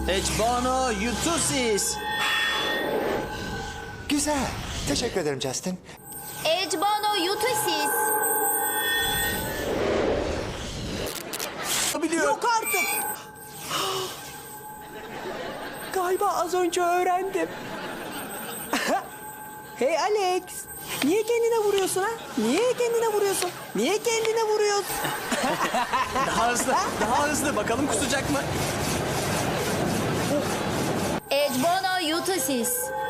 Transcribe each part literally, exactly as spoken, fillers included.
Echbono Yutusis. Güzel. Teşekkür ederim Justin. Echbono Yutusis. Biliyorum. Yok artık. Galiba az önce öğrendim. Hey Alex. Niye kendine vuruyorsun ha? Niye kendine vuruyorsun? Niye kendine vuruyorsun? Daha hızlı, daha hızlı. Bakalım kusacak mı? Echbono Yutusis.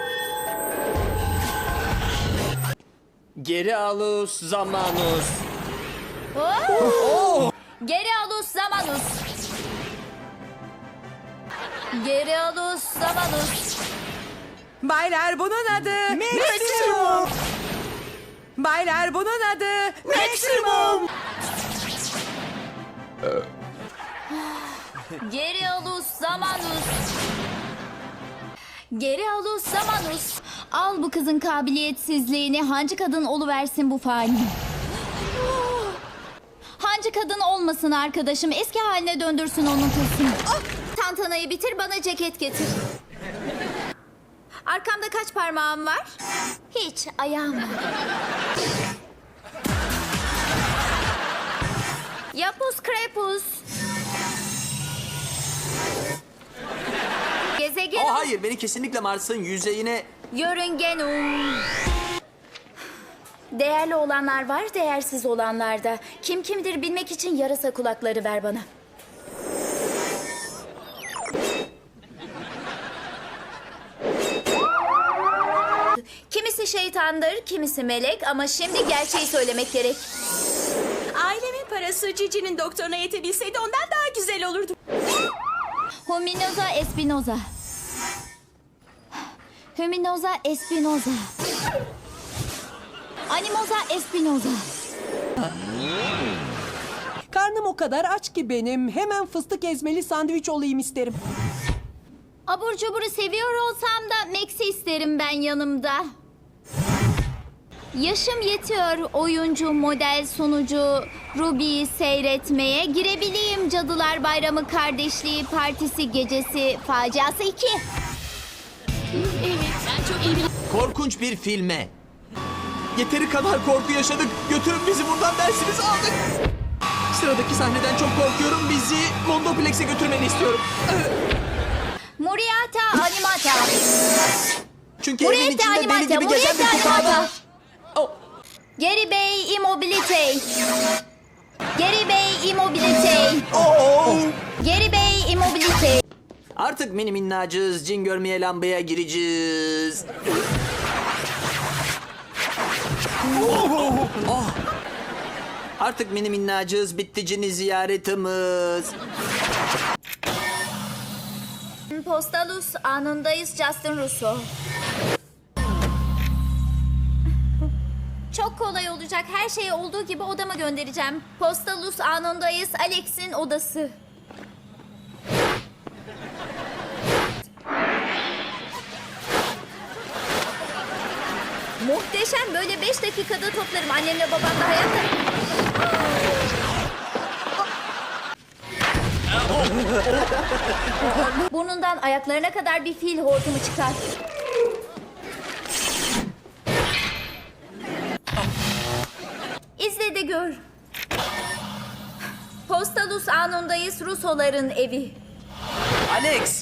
Geri alus zamanus. Oh! Geri alus zamanus. Geri alus zamanus. Baylar bunun adı Maximum. Baylar bunun adı Maximum. Geri alus zamanus. Geri alus zamanus. Al bu kızın kabiliyetsizliğini, hancı kadın oluversin bu fani. Hancı kadın olmasın arkadaşım, eski haline döndürsün onun kızını. Ah! Tantanayı bitir, bana ceket getir. Arkamda kaç parmağım var? Hiç, ayağım var. Yapus krepus. Gezegen. Oh hayır, beni kesinlikle Mars'ın yüzeyine... Yörüngenum. Değerli olanlar var, değersiz olanlar da. Kim kimdir bilmek için yarasa kulakları ver bana. Kimisi şeytandır, kimisi melek ama şimdi gerçeği söylemek gerek. Ailemin parası Cici'nin doktoruna yetebilseydi ondan daha güzel olurdu. Hominoza espinoza. Hominoza espinoza. Animoza espinoza. Karnım o kadar aç ki benim. Hemen fıstık ezmeli sandviç olayım isterim. Abur cuburu seviyor olsam da Max'i isterim ben yanımda. Yaşım yetiyor oyuncu, model, sunucu Ruby'yi seyretmeye. Girebileyim Cadılar Bayramı Kardeşliği Partisi Gecesi Faciası iki. Korkunç bir filme. Yeteri kadar korku yaşadık. Götürün bizi buradan dersinizi aldık. Sıradaki sahneden çok korkuyorum. Bizi Mondoplex'e götürmeni istiyorum. Muriata Animata. Çünkü evin Muriata içinde deli Animata. gibi gezen bir Muriata kurtarma. Animata. Oh. Geri Bey Immobilite. Geri Bey Immobilite. Oh. Geri Bey Immobilite. Artık mini minnacığız. Cin görmeye lambaya gireceğiz. Oh. Artık mini minnacığız. Bitti cini ziyaretimiz. Postalus anındayız Justin Russo. Çok kolay olacak. Her şeyi olduğu gibi odama göndereceğim. Postalus anındayız Alex'in odası. Muhteşem. Böyle beş dakikada toplarım. Annemle babam da hayatta. Burnundan ayaklarına kadar bir fil hortumu çıkar. İzle de gör. Postalus anındayız Rusoların evi. Alex.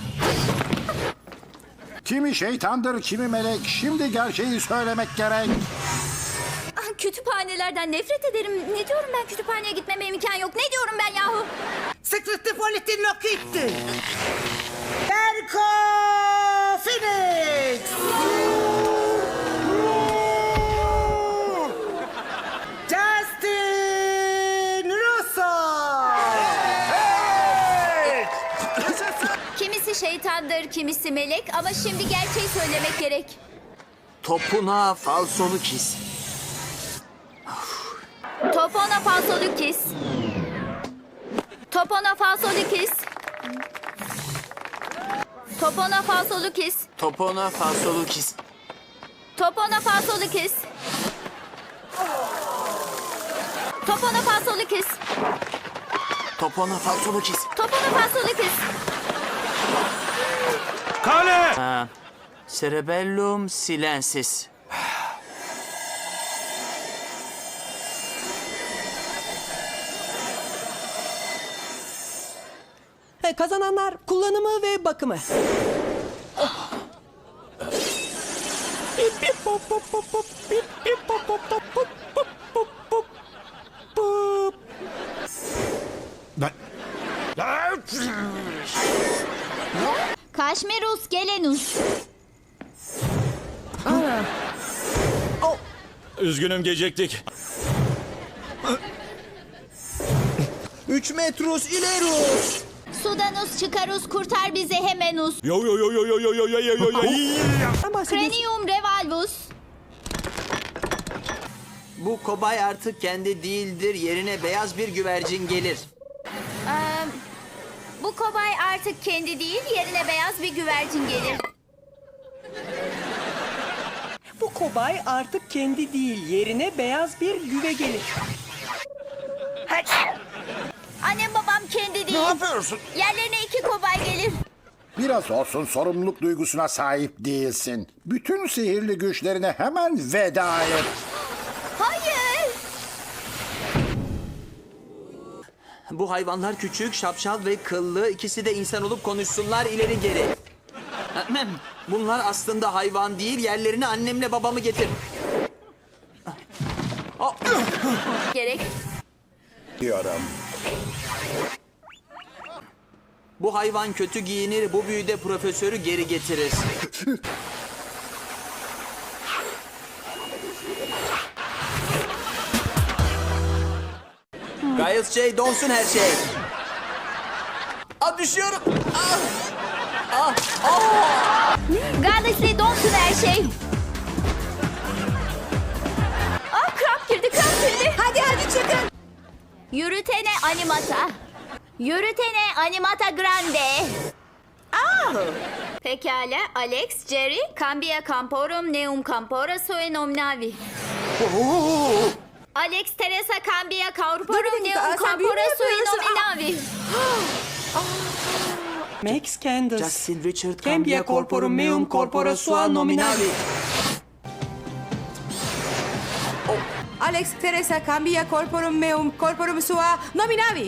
Kimi şeytandır, kimi melek. Şimdi gerçeği söylemek gerek. Ah, kütüphanelerden nefret ederim. Ne diyorum ben, kütüphaneye gitmeme imkan yok. Ne diyorum ben yahu? Sıklıklı politin lokitti. Erko Phoenix. Justin Russo. Kimisi şeytandır, kimisi melek ama şimdi gerçeği söylemek gerek. Topuna falsonu kis. Topona falsolukis. Topona falsolukis. Topona falsolukis. Topona falsolu kis. Topona falsolukis. Topona falsolukis. Topona falsolu kis. Topona falsolukis. Cerebellum silensis. He, kazananlar kullanımı ve bakımı. Ben... Kaşmerus gelenus. Üzgünüm geciktik. Üç metrus ilerus. Sudanus çıkarus kurtar bizi hemenus. Yo yo yo yo yo yo yo yo yo yo. Ben bahsediyorsun. Cranium revalvus. Bu kobay artık kendi değildir. Yerine beyaz bir güvercin gelir. Ee, bu kobay artık kendi değil, yerine beyaz bir güvercin gelir. Bu kobay artık kendi değil, yerine beyaz bir güve gelir. Annem babam kendi değil. Ne yapıyorsun? Yerlerine iki kobay gelir. Biraz olsun sorumluluk duygusuna sahip değilsin. Bütün sihirli güçlerine hemen veda et. Hayır. Bu hayvanlar küçük, şapşal ve kıllı. İkisi de insan olup konuşsunlar ileri geri. Ahem. Bunlar aslında hayvan değil. Yerlerine annemle babamı getir. Oh. Gerek. Diyorum. Bu hayvan kötü giyinir. Bu büyüde profesörü geri getirir. Giles J. donsun her şey. Aa, düşüyorum. Ah. Ah. Ah. Galaxy donsun her şey. Ah kramp girdi kramp girdi. Hadi hadi çıkın. Yürütene animata. Yürütene animata grande. Ah. Pekala Alex, Jerry, cambia camporum neum campora sue nominavi. Alex, Teresa, cambia corporum dakika, neum sen büyü mü campora sue yapıyorsun? nominavi. Max Candace. Justin Richard Cambia corporum meum corpora sua nominavi. Alex, Teresa, cambia corporum meum corporum sua nominavi.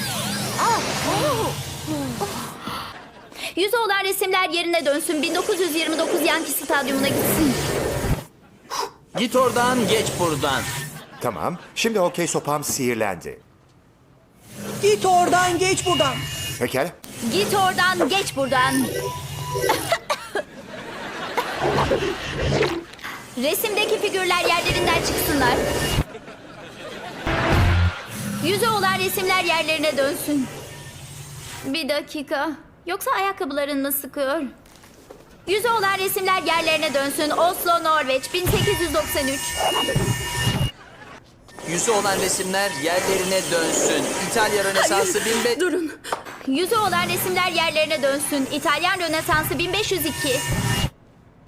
Yüzü olan resimler yerine dönsün. bin dokuz yüz yirmi dokuz Yankee Stadyumuna gitsin. Git oradan, geç buradan. Tamam. Şimdi hokey sopam sihirlendi. Git oradan geç buradan. Pekala. Git oradan, geç buradan. Resimdeki figürler yerlerinden çıksınlar. Yüzü olan resimler yerlerine dönsün. Bir dakika. Yoksa ayakkabıların mı sıkıyor? Yüzü olan resimler yerlerine dönsün. Oslo, Norveç, bin sekiz yüz doksan üç. Yüzü olan resimler yerlerine dönsün. İtalya Rönesansı bin beş... Durun. Yüzü olan resimler yerlerine dönsün. İtalyan Rönesansı bin beş yüz iki.